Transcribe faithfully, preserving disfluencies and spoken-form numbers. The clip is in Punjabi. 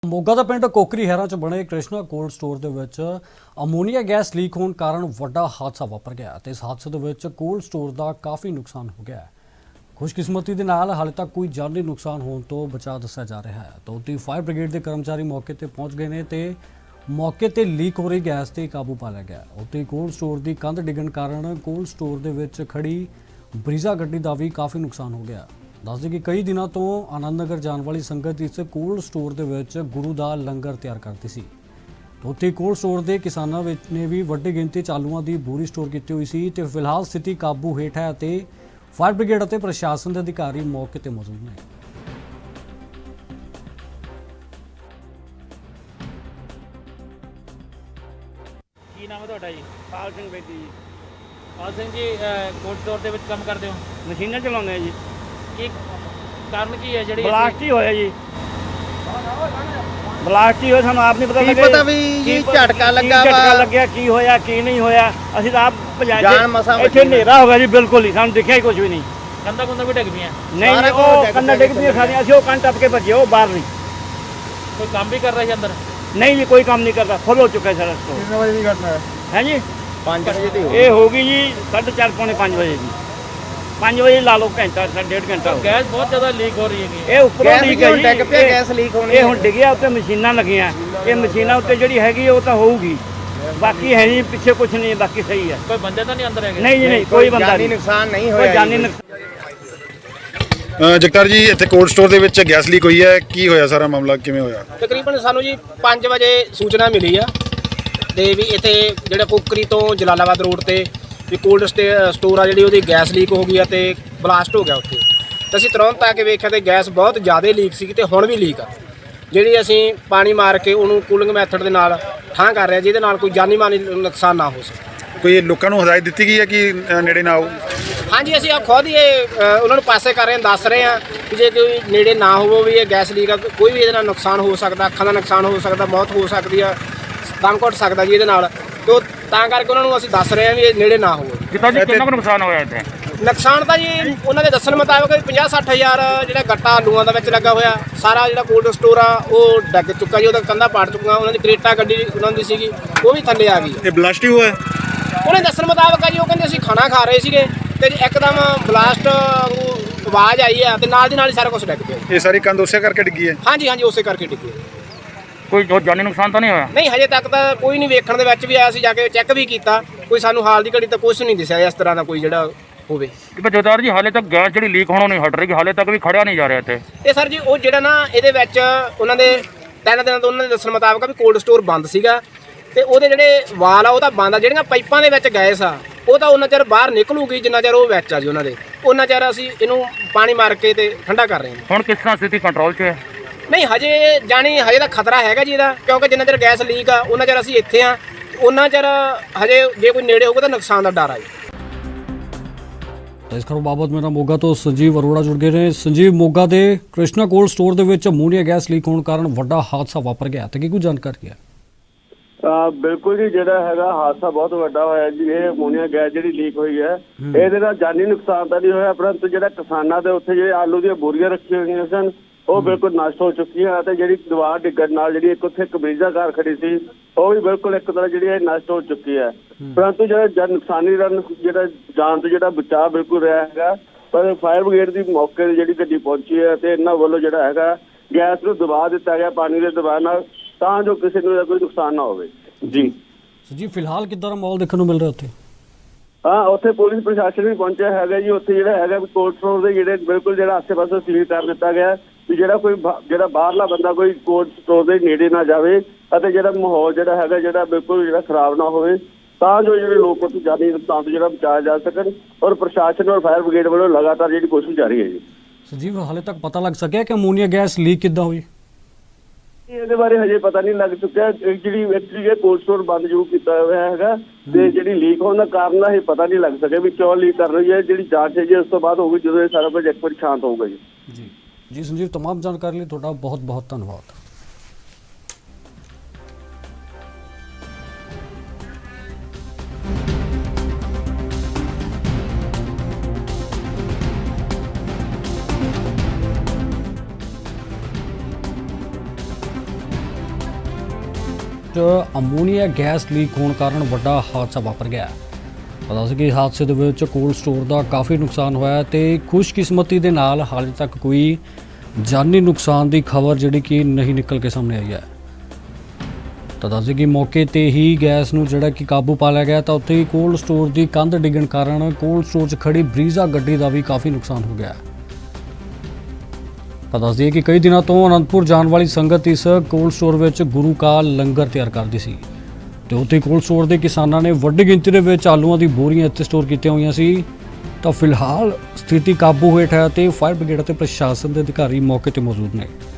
ਮੋਗਾ ਦਾ ਪਿੰਡ ਕੋਕਰੀ ਹੈਰਾ ਚ ਬਣੇ ਕ੍ਰਿਸ਼ਨਾ ਕੋਲਡ ਸਟੋਰ ਦੇ ਵਿੱਚ ਅਮੋਨੀਆ ਗੈਸ ਲੀਕ ਹੋਣ ਕਾਰਨ ਵੱਡਾ ਹਾਦਸਾ ਵਾਪਰ ਗਿਆ ਤੇ ਇਸ ਹਾਦਸੇ ਦੇ ਵਿੱਚ ਕੋਲਡ ਸਟੋਰ ਦਾ ਕਾਫੀ ਨੁਕਸਾਨ ਹੋ ਗਿਆ ਹੈ। ਖੁਸ਼ਕਿਸਮਤੀ ਦੇ ਨਾਲ ਹਾਲੇ ਤੱਕ ਕੋਈ ਜਾਨੀ ਨੁਕਸਾਨ ਹੋਣ ਤੋਂ ਬਚਾ ਦੱਸਿਆ ਜਾ ਰਿਹਾ ਹੈ। ਤਾਂ ਉੱਥੇ ਫਾਇਰ ਬ੍ਰਿਗੇਡ ਦੇ ਕਰਮਚਾਰੀ ਮੌਕੇ ਤੇ ਪਹੁੰਚ ਗਏ ਨੇ ਤੇ ਮੌਕੇ ਤੇ ਲੀਕ ਹੋ ਰਹੀ ਗੈਸ ਤੇ ਕਾਬੂ ਪਾ ਲਿਆ ਗਿਆ। ਉੱਥੇ ਕੋਲਡ ਸਟੋਰ ਦੀ ਕੰਧ ਡਿੱਗਣ ਕਾਰਨ ਕੋਲਡ ਸਟੋਰ ਦੇ ਵਿੱਚ ਖੜੀ ਬਰੀਜ਼ਾ ਗੱਡੀ ਦਾ ਵੀ ਕਾਫੀ ਨੁਕਸਾਨ ਹੋ ਗਿਆ। ਦੱਸਦੇ ਕਿ ਕਈ ਦਿਨਾਂ ਤੋਂ ਆਨੰਦ ਨਗਰ ਜਾਣ ਵਾਲੀ ਸੰਗਤ ਇਸ ਕੋਲਡ ਸਟੋਰ ਦੇ ਵਿੱਚ ਗੁਰੂ ਦਾ ਲੰਗਰ ਤਿਆਰ ਕਰਦੀ ਸੀ। ਉੱਥੇ ਕੋਲਡ ਸਟੋਰ ਦੇ ਕਿਸਾਨਾਂ ਵਿੱਚ ਨੇ ਵੀ ਵੱਡੀ ਗਿਣਤੀ 'ਚ ਆਲੂਆਂ ਦੀ ਬੋਰੀ ਸਟੋਰ ਕੀਤੀ ਹੋਈ ਸੀ ਤੇ ਫਿਲਹਾਲ ਸਥਿਤੀ ਕਾਬੂ ਹੇਠ ਹੈ ਅਤੇ ਫਾਇਰ ਬ੍ਰਿਗੇਡ ਅਤੇ ਪ੍ਰਸ਼ਾਸਨ ਦੇ ਅਧਿਕਾਰੀ ਮੌਕੇ ਤੇ ਮੌਜੂਦ ਨੇ। ਕੀ ਨਾਮ ਹੈ ਤੁਹਾਡਾ ਜੀ? ਪਾਲ ਸਿੰਘ ਬੇਦੀ ਜੀ। ਪਾਲ ਸਿੰਘ ਜੀ, ਕੋਲਡ ਸਟੋਰ ਦੇ ਵਿੱਚ ਕੰਮ ਕਰਦੇ ਹੋ? ਮਸ਼ੀਨਾਂ ਚਲਾਉਂਦੇ ਆ ਜੀ। ਕੀ ਕਾਰਨ ਕੀ ਹੈ ਜਿਹੜੀ ਬਲਾਸਟ ਹੀ ਹੋਇਆ ਜੀ। ਬਲਾਸਟ ਹੀ ਹੋਇਆ, ਸਾਨੂੰ ਆਪ ਨਹੀਂ ਪਤਾ ਕੀ ਲੱਗਿਆ ਪਤਾ ਵੀ ਜੀ ਝਟਕਾ ਲੱਗਾ ਝਟਕਾ ਵਾ ਲੱਗਿਆ, ਕੀ ਹੋਇਆ ਕੀ ਨਹੀਂ ਹੋਇਆ। ਅਸੀਂ ਤਾਂ ਆਪ ਜਾਨ ਭਜਾਏ ਮਸਾਂ ਇੱਥੇ ਬਚੀ। ਹਨੇਰਾ ਹੋ ਗਿਆ ਜੀ, ਬਿਲਕੁਲ ਹੀ ਸਾਨੂੰ ਦਿਖਿਆ ਹੀ ਕੁਝ ਵੀ ਨਹੀਂ। ਕੰਧਾਂ ਕੁੰਧਾਂ ਵੀ ਡਿੱਗ ਪਈਆਂ? ਨਹੀਂ ਸਾਰਾ ਜੀ, ਕੁਝ ਉਹ ਡਿੱਗ ਕੰਨਾਂ ਪਿਆ ਡਿੱਗ ਪਈਆਂ ਸਾਰੀਆਂ। ਅਸੀਂ ਉਹ ਕੰਨ ਟੱਪ ਕੇ ਭੱਜੇ, ਉਹ ਬਾਹਰ ਨਹੀਂ। ਕੋਈ ਕੰਮ ਵੀ ਕਰ ਰਿਹਾ ਸੀ ਅੰਦਰ? ਨਹੀਂ ਜੀ, ਕੋਈ ਕੰਮ ਨਹੀਂ ਕਰਦਾ, ਫੁੱਲ ਹੋ ਚੁੱਕਾ ਸਾਰਾ ਸਟੋਰ। ਕਿੰਨੇ ਵਜੇ ਦੀ ਘਟਨਾ ਹੈ? ਹੈ ਜੀ, ਪੰਜ ਵਜੇ ਦੀ ਹੋ ਇਹ ਹੋ ਗਈ ਜੀ ਸਾਢੇ ਚਾਰ ਪੌਣੇ ਪੰਜ ਵਜੇ ਦੀ। ਪੰਜ ਵਜੇ ਲਾ ਲਓ, ਘੰਟਾ ਡੇਢ ਘੰਟਾ ਹੋ ਗਿਆ। ਗੈਸ ਬਹੁਤ ਜ਼ਿਆਦਾ ਲੀਕ ਹੋ ਰਹੀ ਹੈਗੀ। ਇਹ ਉੱਪਰੋਂ ਗੈਸ ਲੀਕ ਹੈ ਹੁਣ ਜੀ। ਡਿੱਗ ਪਿਆ, ਇਹ- ਗੈਸ ਲੀਕ ਹੋਣੀ ਇਹ ਹੁਣ ਡਿੱਗਿਆ, ਉੱਤੇ ਮਸ਼ੀਨਾਂ ਲੱਗੀਆਂ। ਇਹ ਮਸ਼ੀਨਾਂ ਉੱਤੇ ਜਿਹੜੀ ਹੈਗੀ ਉਹ ਤਾਂ ਹੋਊਗੀ, ਬਾਕੀ ਹੈ ਨਹੀਂ, ਪਿੱਛੇ ਕੁਝ ਨਹੀਂ, ਬਾਕੀ ਸਹੀ ਹੈ। ਕੋਈ ਬੰਦੇ ਤਾਂ ਨਹੀਂ ਅੰਦਰ ਹੈਗੇ? ਨਹੀਂ ਜੀ ਨਹੀਂ, ਕੋਈ ਬੰਦਾ ਜਾਨੀ ਨਹੀਂ, ਨੁਕਸਾਨ ਨਹੀਂ ਕੋਈ ਹੋਇਆ ਜਾਨੀ ਜੀ। ਨੁਕਸਾਨ। ਅ, ਜਗਤਾਰ ਜੀ, ਇੱਥੇ ਕੋਲਡ ਸਟੋਰ ਦੇ ਵਿੱਚ ਗੈਸ ਲੀਕ ਹੋਈ ਹੈ, ਕੀ ਹੋਇਆ? ਸਾਰਾ ਮਾਮਲਾ ਕਿਵੇਂ ਹੋਇਆ? ਤਕਰੀਬਨ ਸਾਨੂੰ ਜੀ ਪੰਜ ਵਜੇ ਸੂਚਨਾ ਮਿਲੀ ਆ ਤੇ ਵੀ ਇੱਥੇ ਜਿਹੜਾ ਕੋਕਰੀ ਤੋਂ ਜਲਾਲਾਬਾਦ ਰੋਡ ਤੇ ਵੀ ਕੋਲਡ ਸਟੋਰ ਆ ਜਿਹੜੀ ਉਹਦੀ ਗੈਸ ਲੀਕ ਹੋ ਗਈ ਆ ਤੇ ਬਲਾਸਟ ਹੋ ਗਿਆ ਉੱਥੇ। ਤੇ ਅਸੀਂ ਤੁਰੰਤ ਆ ਕੇ ਵੇਖਿਆ ਤੇ ਗੈਸ ਬਹੁਤ ਜ਼ਿਆਦਾ ਲੀਕ ਸੀ ਤੇ ਹੁਣ ਵੀ ਲੀਕ ਆ, ਜਿਹੜੀ ਅਸੀਂ ਪਾਣੀ ਮਾਰ ਕੇ ਉਹਨੂੰ ਕੂਲਿੰਗ ਮੈਥਡ ਦੇ ਨਾਲ ਠਾਂ ਕਰ ਰਹੇ ਜਿਹਦੇ ਨਾਲ ਕੋਈ ਜਾਨੀ ਮਾਨੀ ਨੁਕਸਾਨ ਨਾ ਹੋ ਸਕੇ। ਕੋਈ ਲੋਕਾਂ ਨੂੰ ਹਦਾਇਤ ਦਿੱਤੀ ਗਈ ਹੈ ਕਿ ਅ, ਨੇੜੇ ਨਾ ਆਓ? ਹਾਂਜੀ, ਅਸੀਂ ਆ ਖੁਦ ਹੀ ਇਹ ਅ, ਉਹਨਾਂ ਨੂੰ ਪਾਸੇ ਕਰ ਰਹੇ ਹਾਂ, ਦੱਸ ਰਹੇ ਹਾਂ ਕਿ ਜੇ ਕੋਈ ਨੇੜੇ ਨਾ ਹੋਵੋ ਵੀ ਇਹ ਗੈਸ ਲੀਕ ਆ, ਕੋਈ ਵੀ ਇਹਦੇ ਨਾਲ ਨੁਕਸਾਨ ਹੋ ਸਕਦਾ, ਅੱਖਾਂ ਦਾ ਨੁਕਸਾਨ ਹੋ ਸਕਦਾ, ਮੌਤ ਹੋ ਸਕਦੀ ਆ, ਦਮ ਘੁੱਟ ਸਕਦਾ ਜੀ ਇਹਦੇ ਨਾਲ। ਤੋ ਤਾਂ ਕਰਕੇ ਉਹਨਾਂ ਨੂੰ ਅਸੀਂ ਦੱਸ ਰਹੇ ਹਾਂ ਵੀ ਇਹ ਨੇੜੇ ਨਾ ਹੋਵੋ। ਕਿਤਾ ਜੀ, ਕਿੰਨਾ ਕੁ ਨੁਕਸਾਨ ਹੋਇਆ ਇੱਥੇ? ਨੁਕਸਾਨ ਤਾਂ ਜੀ ਉਹਨਾਂ ਦੇ ਦੱਸਣ ਮੁਤਾਬਕ ਪੰਜਾਹ ਸੱਠ ਹਜ਼ਾਰ ਜਿਹੜਾ ਗੱਟਾ ਆਲੂਆਂ ਦਾ ਵਿੱਚ ਲੱਗਾ ਹੋਇਆ, ਸਾਰਾ ਜਿਹੜਾ ਕੋਲਡ ਸਟੋਰ ਆ ਉਹ ਡਿੱਗ ਚੁੱਕਾ ਜੀ, ਉਹਦਾ ਕੰਧਾਂ ਪਾੜ ਚੁੱਕੀਆਂ। ਉਹਨਾਂ ਦੀ ਕਰੇਟਾ ਗੱਡੀ ਉਹਨਾਂ ਦੀ ਸੀਗੀ, ਉਹ ਵੀ ਥੱਲੇ ਆ ਗਈ। ਇਹ ਬਲਾਸਟ ਹੀ ਹੋਇਆ? ਉਹਨੇ ਦੱਸਣ ਮੁਤਾਬਕ ਆ ਜੀ, ਉਹ ਕਹਿੰਦੇ ਅਸੀਂ ਖਾਣਾ ਖਾ ਰਹੇ ਸੀਗੇ ਤੇ ਇੱਕਦਮ ਬਲਾਸਟ ਆਵਾਜ਼ ਆਈ ਆ ਤੇ ਨਾਲ ਦੀ ਨਾਲ ਹੀ ਸਾਰਾ ਕੁਝ ਡਿੱਗ ਪਿਆ। ਇਹ ਸਾਰੀ ਕੰਧ ਉਸੇ ਕਰਕੇ ਡਿੱਗੀ ਹੈ? ਹਾਂਜੀ ਹਾਂਜੀ, ਉਸੇ ਕਰਕੇ ਡਿੱਗੀ। ਕੋਈ ਜਾਨੀ ਨੁਕਸਾਨ ਤਾਂ ਨਹੀਂ ਹੋਇਆ? ਨਹੀਂ, ਹਜੇ ਤੱਕ ਤਾਂ ਕੋਈ ਨਹੀਂ। ਵੇਖਣ ਦੇ ਵਿੱਚ ਵੀ ਆਇਆ ਸੀ, ਜਾ ਕੇ ਚੈੱਕ ਵੀ ਕੀਤਾ, ਕੋਈ ਸਾਨੂੰ ਹਾਲ ਦੀ ਘੜੀ ਤਾਂ ਕੁਝ ਨਹੀਂ ਦਿਸਿਆ ਇਸ ਤਰ੍ਹਾਂ ਦਾ ਕੋਈ ਜਿਹੜਾ ਹੋਵੇ। ਜਗਤਾਰ ਜੀ, ਹਾਲੇ ਤੱਕ ਗੈਸ ਜਿਹੜੀ ਲੀਕ ਹੋਣੋਂ ਨਹੀਂ ਹਟ ਰਹੀ, ਹਾਲੇ ਤੱਕ ਵੀ ਖੜਿਆ ਨਹੀਂ ਜਾ ਰਿਹਾ ਇੱਥੇ। ਤੇ ਸਰ ਜੀ, ਉਹ ਜਿਹੜਾ ਨਾ ਇਹਦੇ ਵਿੱਚ ਉਹਨਾਂ ਦੇ ਤਿੰਨ ਦਿਨਾਂ ਤੋਂ ਉਹਨਾਂ ਦੇ ਦੱਸਣ ਮੁਤਾਬਕ ਵੀ ਕੋਲਡ ਸਟੋਰ ਬੰਦ ਸੀਗਾ ਤੇ ਉਹਦੇ ਜਿਹੜੇ ਵਾਲ ਆ ਉਹ ਤਾਂ ਬੰਦ ਆ, ਜਿਹੜੀਆਂ ਪਾਈਪਾਂ ਦੇ ਵਿੱਚ ਗੈਸ ਆ ਉਹ ਤਾਂ ਉਹਨਾਂ ਚਿਰ ਬਾਹਰ ਨਿਕਲੂਗੀ ਜਿੰਨਾ ਚਿਰ ਉਹ ਵਿੱਚ ਆ ਜੀ ਉਹਨਾਂ ਦੇ। ਉਹਨਾਂ ਚਿਰ ਅਸੀਂ ਇਹਨੂੰ ਪਾਣੀ ਮਾਰ ਕੇ ਤੇ ਠੰਡਾ ਕਰ ਰਹੇ ਹਾਂ। ਹੁਣ ਕਿਸ ਤਰ੍ਹਾਂ ਸਥਿਤੀ ਕੰਟਰੋਲ 'ਚ ਹੈ? ਨਹੀਂ, ਹਜੇ ਜਾਣੀ ਹਜੇ ਤਾਂ ਖਤਰਾ ਹੈਗਾ ਜੀ ਇਹਦਾ, ਕਿਉਂਕਿ ਜਿੰਨਾ ਚਿਰ ਗੈਸ ਲੀਕ ਆ ਉਹਨਾਂ ਚਿਰ ਅਸੀਂ ਇੱਥੇ ਆ, ਉਹਨਾਂ ਚਿਰ ਹਜੇ ਜੇ ਕੋਈ ਨੇੜੇ ਹੋਊਗਾ ਤਾਂ ਨੁਕਸਾਨ ਦਾ ਡਰ ਆ ਜੀ। ਤਾਂ ਇਸ ਖਬਰ ਬਾਬਤ ਮੇਰਾ ਮੋਗਾ ਤੋਂ ਸੰਜੀਵ ਅਰੋੜਾ ਜੁੜ ਗਏ ਨੇ। ਸੰਜੀਵ, ਮੋਗਾ ਦੇ ਕ੍ਰਿਸ਼ਨਾ ਕੋਲਡ ਸਟੋਰ ਦੇ ਵਿੱਚ ਅਮੋਨੀਆ ਗੈਸ ਲੀਕ ਹੋਣ ਕਾਰਨ ਵੱਡਾ ਹਾਦਸਾ ਵਾਪਰ ਗਿਆ ਤੇ ਕੀ ਕੁਝ ਜਾਣਕਾਰੀ ਹੈ? ਬਿਲਕੁਲ ਜੀ, ਜਿਹੜਾ ਹੈਗਾ ਹਾਦਸਾ ਬਹੁਤ ਵੱਡਾ ਹੋਇਆ ਜੀ। ਇਹ ਅਮੋਨੀਆ ਗੈਸ ਜਿਹੜੀ ਲੀਕ ਹੋਈ ਹੈ, ਇਹਦੇ ਨਾਲ ਜਾਨੀ ਨੁਕਸਾਨ ਤਾਂ ਨਹੀਂ ਹੋਇਆ, ਪਰੰਤੂ ਜਿਹੜਾ ਕਿਸਾਨਾਂ ਦੇ ਉੱਥੇ ਜਿਹੜੇ ਆਲੂ ਦੀਆਂ ਬੋਰੀਆਂ ਰੱਖੀਆਂ ਹੋਈਆਂ ਸਨ ਉਹ ਬਿਲਕੁਲ ਨਸ਼ਟ ਹੋ ਚੁੱਕੀਆਂ ਅਤੇ ਜਿਹੜੀ ਦੀਵਾਰ ਡਿੱਗਣ ਨਾਲ ਜਿਹੜੀ ਇੱਕ ਉੱਥੇ ਕਬੀਜ਼ਾ ਕਾਰ ਖੜੀ ਸੀ ਉਹ ਵੀ ਬਿਲਕੁਲ ਇੱਕ ਤਰ੍ਹਾਂ ਜਿਹੜੀ ਹੈ ਨਸ਼ਟ ਹੋ ਚੁੱਕੀ ਹੈ। ਪਰੰਤੂ ਜਿਹੜਾ ਜਨ ਨੁਕਸਾਨੀ ਦਾ ਜਿਹੜਾ ਜਾਨ ਤੋਂ ਜਿਹੜਾ ਬਚਾਅ ਬਿਲਕੁਲ ਰਿਹਾ ਹੈਗਾ, ਪਰ ਫਾਇਰ ਬ੍ਰਿਗੇਡ ਦੀ ਮੌਕੇ ਤੇ ਜਿਹੜੀ ਗੱਡੀ ਪਹੁੰਚੀ ਹੈ ਤੇ ਇਹਨਾਂ ਵੱਲੋਂ ਜਿਹੜਾ ਹੈਗਾ ਗੈਸ ਨੂੰ ਦਬਾ ਦਿੱਤਾ ਗਿਆ ਪਾਣੀ ਦੇ ਦਬਾਅ ਨਾਲ, ਤਾਂ ਜੋ ਕਿਸੇ ਨੂੰ ਕੋਈ ਨੁਕਸਾਨ ਨਾ ਹੋਵੇ ਜੀ। ਜੀ, ਫਿਲਹਾਲ ਕਿੱਦਾਂ ਦਾ ਮਾਹੌਲ ਦੇਖਣ ਨੂੰ ਮਿਲ ਰਿਹਾ ਉੱਥੇ? ਹਾਂ, ਉੱਥੇ ਪੁਲਿਸ ਪ੍ਰਸ਼ਾਸਨ ਵੀ ਪਹੁੰਚਿਆ ਹੈਗਾ ਜੀ। ਉੱਥੇ ਜਿਹੜਾ ਹੈਗਾ ਕੋਲਡ ਸਟੋਰ ਦੇ ਜਿਹੜੇ ਬਿਲਕੁਲ ਜਿਹੜਾ ਆਸੇ ਪਾਸੇ ਸੀਲ ਕਰ ਦਿੱਤਾ ਗਿਆ ਵੀ ਜਿਹੜਾ ਕੋਈ ਜਿਹੜਾ ਬਾਹਰਲਾ ਬੰਦਾ ਕੋਈ ਕੋਲਡ ਸਟੋਰ ਦੇ ਨੇੜੇ ਨਾ ਜਾਵੇ ਅਤੇ ਜਿਹੜਾ ਮਾਹੌਲ ਜਿਹੜਾ ਹੈਗਾ ਜਿਹੜਾ ਬਿਲਕੁਲ ਜਿਹੜਾ ਖਰਾਬ ਨਾ ਹੋਵੇ, ਤਾਂ ਜੋ ਜਿਹੜੇ ਲੋਕ ਉੱਥੇ ਜਾਨੀ ਨੁਕਸਾਨ ਤੋਂ ਜਿਹੜਾ ਬਚਾਇਆ ਜਾ ਸਕਣ। ਔਰ ਪ੍ਰਸ਼ਾਸਨ ਔਰ ਫਾਇਰ ਬ੍ਰਿਗੇਡ ਵੱਲੋਂ ਲਗਾਤਾਰ ਜਿਹੜੀ ਕੋਸ਼ਿਸ਼ ਜਾਰੀ ਹੈ ਜੀ। ਸੰਜੀਵ, ਹਾਲੇ ਤੱਕ ਪਤਾ ਲੱਗ ਸਕਿਆ ਕਿ ਅਮੋਨੀਆ ਗੈਸ ਲੀਕ ਕਿੱਦਾਂ ਹੋਈ? ਇਹਦੇ ਬਾਰੇ ਹਜੇ ਪਤਾ ਨਹੀਂ ਲੱਗ ਚੁੱਕਿਆ। ਜਿਹੜੀ ਐਕਚੁਅਲੀ ਇਹ ਕੋਲਡ ਸਟੋਰ ਬੰਦ ਜ਼ਰੂਰ ਕੀਤਾ ਹੋਇਆ ਹੈਗਾ ਤੇ ਜਿਹੜੀ ਲੀਕ ਹੋਣ ਦਾ ਕਾਰਨ ਇਹ ਪਤਾ ਨਹੀਂ ਲੱਗ ਸਕਿਆ ਵੀ ਕਿਉਂ ਲੀਕ ਕਰ ਰਹੀ ਹੈ। ਜਿਹੜੀ ਜਾਂਚ ਹੈ ਜੀ ਉਸ ਤੋਂ ਬਾਅਦ ਹੋਊਗੀ, ਜਦੋਂ ਇਹ ਸਾਰਾ ਕੁਝ ਇੱਕ ਵਾਰ ਸ਼ਾਂਤ ਹੋਊਗਾ ਜੀ। ਜੀ ਜੀ ਸੰਜੀਵ, तमाम ਜਾਣਕਾਰੀ ਲਈ ਤੁਹਾਡਾ ਬਹੁਤ ਬਹੁਤ ਧੰਨਵਾਦ। ਵਿੱਚ ਅਮੋਨੀਆ ਗੈਸ ਲੀਕ ਹੋਣ ਕਾਰਨ ਵੱਡਾ ਹਾਦਸਾ ਵਾਪਰ ਗਿਆ। ਪਤਾ ਸੀ ਕਿ ਹਾਦਸੇ ਦੇ ਵਿੱਚ ਕੋਲਡ ਸਟੋਰ ਦਾ ਕਾਫੀ ਨੁਕਸਾਨ ਹੋਇਆ ਤੇ ਖੁਸ਼ਕਿਸਮਤੀ ਦੇ ਨਾਲ ਹਾਲੇ ਤੱਕ ਕੋਈ ਜਾਨੀ ਨੁਕਸਾਨ ਦੀ ਖਬਰ ਜਿਹੜੀ ਕਿ ਨਹੀਂ ਨਿਕਲ ਕੇ ਸਾਹਮਣੇ ਆਈ ਹੈ। ਤਾਂ ਦੱਸਦੇ ਕਿ ਮੌਕੇ ਤੇ ਹੀ ਗੈਸ ਨੂੰ ਜਿਹੜਾ ਕਿ ਕਾਬੂ ਪਾ ਲਿਆ ਗਿਆ ਤਾਂ ਉੱਥੇ ਹੀ ਕੋਲਡ ਸਟੋਰ ਦੀ ਕੰਧ ਡਿੱਗਣ ਕਾਰਨ ਕੋਲਡ ਸਟੋਰ 'ਚ ਖੜੀ ਬਰੀਜ਼ਾ ਗੱਡੀ ਦਾ ਵੀ ਕਾਫੀ ਨੁਕਸਾਨ ਹੋ ਗਿਆ। ਤਾਂ ਦੱਸਦੇ ਕਿ ਕਈ ਦਿਨਾਂ ਤੋਂ ਅਨੰਦਪੁਰ ਜਾਣ ਵਾਲੀ ਸੰਗਤ ਇਸ ਕੋਲਡ ਸਟੋਰ ਵਿੱਚ ਗੁਰੂ ਕਾ ਲੰਗਰ ਤਿਆਰ ਕਰਦੀ ਸੀ ਤੇ ਉੱਥੇ ਕੋਲਡ ਸਟੋਰ ਦੇ ਕਿਸਾਨਾਂ ਨੇ ਵੱਡੀ ਗਿਣਤੀ ਦੇ ਵਿੱਚ ਆਲੂਆਂ ਦੀ ਬੋਰੀਆਂ ਇੱਥੇ ਸਟੋਰ ਕੀਤੀਆਂ ਹੋਈਆਂ ਸੀ। ਤਾਂ ਫਿਲਹਾਲ ਸਥਿਤੀ ਕਾਬੂ ਹੇਠ ਹੈ ਤੇ ਫਾਇਰ ਬ੍ਰਿਗੇਡ ਅਤੇ ਪ੍ਰਸ਼ਾਸਨ ਦੇ ਅਧਿਕਾਰੀ ਮੌਕੇ ਤੇ ਮੌਜੂਦ ਨੇ।